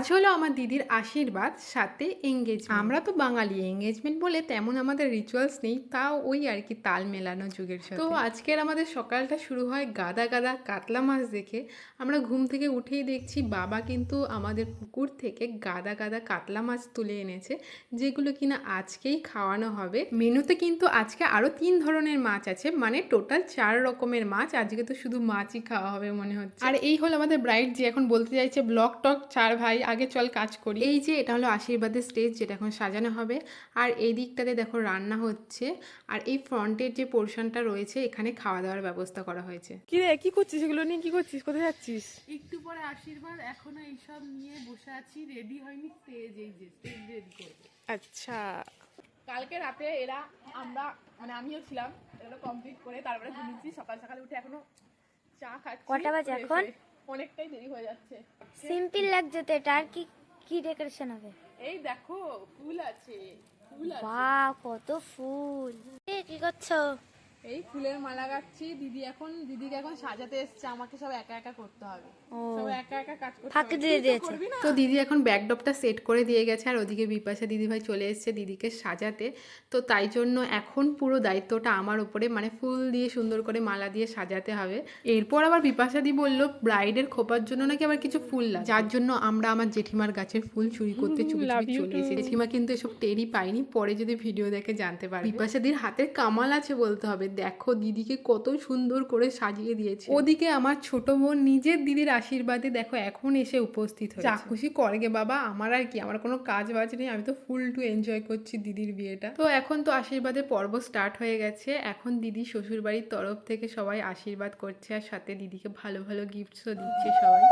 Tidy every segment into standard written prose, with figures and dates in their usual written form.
আজ হলো আমার দিদির আশীর্বাদ, সাথে এঙ্গেজমেন্ট। আমরা তো বাঙালি, এঙ্গেজমেন্ট বলে তেমন আমাদের রিচুয়ালস নেই, তাও ওই আর কি তাল মেলানো যুগের সাথে। তো আজকের আমাদের সকালটা শুরু হয় গাদা গাদা কাতলা মাছ দেখে। আমরা ঘুম থেকে উঠেই দেখছি বাবা কিন্তু আমাদের পুকুর থেকে গাদা গাদা কাতলা মাছ তুলে এনেছে, যেগুলো কিনা আজকেই খাওয়ানো হবে। মেনুতে কিন্তু আজকে আরও 3 ধরনের মাছ আছে, মানে টোটাল 4 রকমের মাছ। আজকে তো শুধু মাছই খাওয়া হবে মনে হচ্ছে। আর এই হলো আমাদের ব্রাইড, যে এখন বলতে চাইছে ব্লক টক 4 ভাই আগে চল কাজ করি। এই যে এটা হলো আশীর্বাদের স্টেজ, যেটা এখন সাজানো হবে। আর এই দিকটাতে দেখো রান্না হচ্ছে, আর এই ফ্রন্টের যে পোর্শনটা রয়েছে এখানে খাওয়া দাওয়ার ব্যবস্থা করা হয়েছে। কি রে, কি করছিস? এগুলো নিয়ে কি করছিস? কোথায় যাচ্ছিস? একটু পরে আশীর্বাদ, এখনো এইসব নিয়ে বসে আছি, রেডি হয়নি। স্টেজ, এই যে স্টেজ রেডি করবো। আচ্ছা, কালকে রাতে এরা আমরা মানে আমিও ছিলাম, এগুলো কমপ্লিট করে তারপরে ঘুমিয়েছি। সকাল সকালে উঠে এখনো চা খাচ্ছি। কটা বাজে এখন? অনেকটাই দেরি হয়ে যাচ্ছে। সিম্পল লাগছে তো এটা। আর কি কি ডেকোরেশন হবে? এই দেখো ফুল আছে, ফুল আছে। বাহ, কত ফুল! কি করছো? এই ফুলের মালা গাচ্ছি। দিদিকে এখন সাজাতে এসছে, আমাকে সব একা একা করতে হবে। সব একা একা কাজ করতে ফাঁকি হবে। দিয়ে তুই তো দিয়েছে। করবি না? তো দিদি এখন ব্যাকড্রপটা সেট করে দিয়ে গেছে, আর ওদিকে বিপাশা দিদিভাই চলে এসেছে দিদিকে সাজাতে। তো তাই জন্য এখন পুরো দায়িত্বটা আমার উপরে, মানে ফুল দিয়ে সুন্দর করে মালা দিয়ে সাজাতে হবে। এরপর আবার বিপাশা দি বললো ব্রাইডের খোপার জন্য নাকি আবার কিছু ফুল লাগে, যার জন্য আমরা আমার জেঠিমার গাছের ফুল চুরি করতে চুপি চুপি চলে এসেছি। জেঠিমা কিন্তু এসব টেরই পাইনি, পরে যদি ভিডিও দেখে জানতে পারবে। বিপাশা দির হাতের কামাল আছে বলতে হবে, দেখো দিদিকে কত সুন্দর করে সাজিয়ে দিয়েছে। ওদিকে আমার ছোট বোন নিজের দিদির আশীর্বাদে দেখো এখন এসে উপস্থিত হয়েছে। যা খুশি করগে বাবা, আমার আর কি, আমার কোনো কাজ বাজ নেই, আমি তো ফুল টু এনজয় করছি দিদির বিয়েটা। তো এখন তো আশীর্বাদের পর্ব স্টার্ট হয়ে গেছে। এখন দিদি শ্বশুর বাড়ির তরফ থেকে সবাই আশীর্বাদ করছে, আর সাথে দিদিকে ভালো ভালো গিফটসও দিচ্ছে সবাই।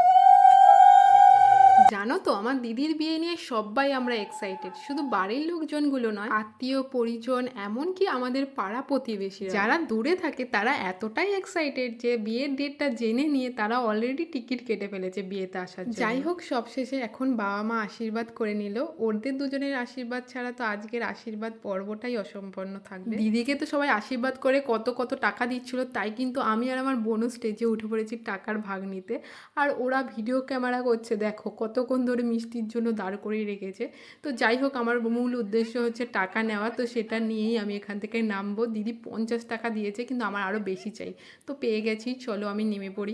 জানো তো আমার দিদির বিয়ে নিয়ে সবাই আমরা এক্সাইটেড, শুধু বাড়ির লোকজনগুলো নয়, আত্মীয় পরিজন, এমনকি আমাদের পাড়া প্রতিবেশী যারা দূরে থাকে তারা এতটাই এক্সাইটেড যে বিয়ের ডেটটা জেনে নিয়ে তারা অলরেডি টিকিট কেটে ফেলেছে বিয়েতে আসার জন্য। যাই হোক, সবশেষে এখন বাবা মা আশীর্বাদ করে নিল। ওদের দুজনের আশীর্বাদ ছাড়া তো আজকের আশীর্বাদ পর্বটাই অসম্পন্ন থাকবে। দিদিকে তো সবাই আশীর্বাদ করে কত কত টাকা দিচ্ছিল, তাই কিন্তু আমি আর আমার বোনও স্টেজে উঠে পড়েছি টাকার ভাগ নিতে। আর ওরা ভিডিও ক্যামেরা করছে, দেখো কতক্ষণ ধরে মিষ্টির জন্য দাঁড় করিয়ে রেখেছে। তো যাই হোক, আমার মূল উদ্দেশ্য হচ্ছে টাকা নেওয়া, তো সেটা নিয়েই আমি এখান থেকে নামবো। দিদি 50 টাকা দিয়েছে, কিন্তু আমার আরও বেশি চাই, তো পেয়ে গেছি। চলো আমি নেমে পড়ি।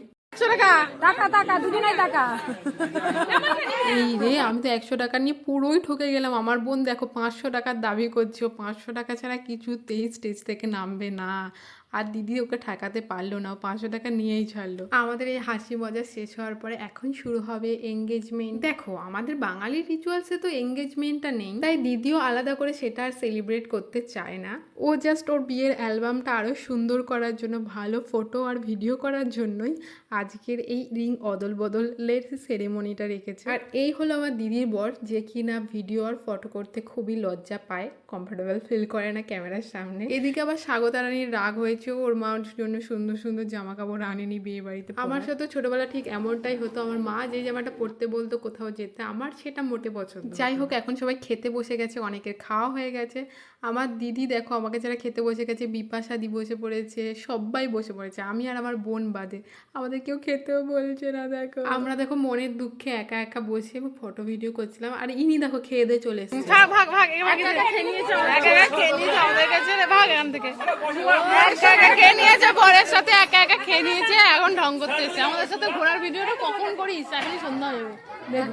এই রে, আমি তো 100 টাকা নিয়ে পুরোই ঠকে গেলাম। আমার বোন দেখো 500 টাকার দাবি করছে, ও 500 টাকা ছাড়া কিছুতেই স্টেজ থেকে নামবে না। আর দিদি ওকে ঠেকাতে পারলো না, ও 500 টাকা নিয়েই ছাড়লো। আমাদের এই হাসি মজা শেষ হওয়ার পরে এখন শুরু হবে এঙ্গেজমেন্ট। দেখো আমাদের বাঙালির রিচুয়ালসে তো এঙ্গেজমেন্টটা নেই, তাই দিদিও আলাদা করে সেটা আর সেলিব্রেট করতে চায় না। ও জাস্ট ওর বিয়ের অ্যালবামটা আরও সুন্দর করার জন্য, ভালো ফটো আর ভিডিও করার জন্যই আজকের এই রিং অদল বদলের সেরেমনিটা রেখেছে। আর এই হলো আমার দিদির বর, যে কিনা ভিডিও আর ফটো করতে খুবই লজ্জা পায়, কমফোর্টেবল ফিল করে না ক্যামেরার সামনে। এদিকে আবার স্বাগতা রানীর রাগ হয়েছে, ওর মার জন্য সুন্দর সুন্দর জামা কাপড় আনেনি বিয়ে বাড়িতে। আমার সাথে ছোটবেলা ঠিক এমনটাই হতো, আমার মা যে জামাটা পরতে বলতো কোথাও যেতে, আমার সেটা মোটে পছন্দ। যাই হোক, এখন সবাই খেতে বসে গেছে, অনেকের খাওয়া হয়ে গেছে। আমার দিদি দেখো আমাকে যারা খেতে বসে গেছে, বিপাশা দি বসে পড়েছে, সবাই বসে পড়েছে, আমি আর আমার বোন বাদে। আমাদের কেউ খেতেও বলছে না। দেখো আমরা দেখো মনের দুঃখে একা একা বসে ফটো ভিডিও করছিলাম, আর ইনি দেখো খেয়ে দিয়ে চলে এসেছে। ভাগ ভাগ ভাগ, খেয়ে নিয়েছে আমাদের কাছে। ভাগ এখান থেকে, একা একা খেয়ে নিয়েছে, বরের সাথে একা একা খেয়ে নিয়েছে, এখন ঢং করতে এসেছে। আমাদের সাথে ঘোরার ভিডিওটা কখন করিস? এখনই সন্ধ্যা হয়ে যাবে,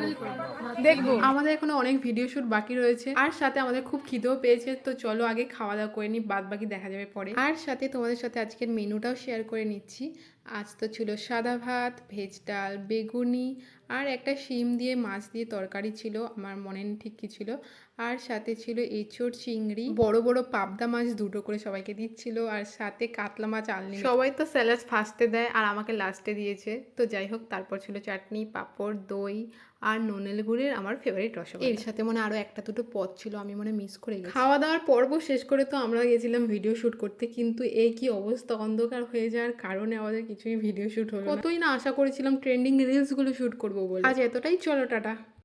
দেখবো। আমাদের এখনো অনেক ভিডিও শুট বাকি রয়েছে, আর সাথে আমাদের খুব খিদেও পেয়েছে। তো চলো আগে খাওয়া দাওয়া করে নিই, বাদ বাকি দেখা যাবে পরে। আর সাথে তোমাদের সাথে আজকের মেনুটাও শেয়ার করে নিচ্ছি। আজ তো ছিল সাদা ভাত, ভেজ ডাল, বেগুনি, আর একটা শিম দিয়ে মাছ দিয়ে তরকারি ছিল, আমার মনে নেই ঠিক কি ছিল। আর সাথে ছিল এঁচোড়, চিংড়ি, বড় বড় পাবদা মাছ দুটো করে সবাইকে দিচ্ছিল, আর সাথে কাতলা মাছ আনলি। সবাই তো স্যালাড ফার্স্টে দেয় আর আমাকে লাস্টে দিয়েছে। তো যাই হোক, তারপর ছিল চাটনি, পাঁপড়, দই, আর ননেল গুড়ের আমার ফেভারিট রসগোল্লা। এর সাথে মনে আরও একটা দুটো পদ ছিল, আমি মনে মিস করে গেছি। খাওয়া দাওয়ার পর্ব শেষ করে তো আমরা গেছিলাম ভিডিও শ্যুট করতে, কিন্তু এই কি অবস্থা, অন্ধকার হয়ে যাওয়ার কারণে আমাদের কিছুই ভিডিও শ্যুট হলো না। কতই না আশা করেছিলাম ট্রেন্ডিং রিলসগুলো শ্যুট করবো বলে। আজ এতটাই, চলো টাটা।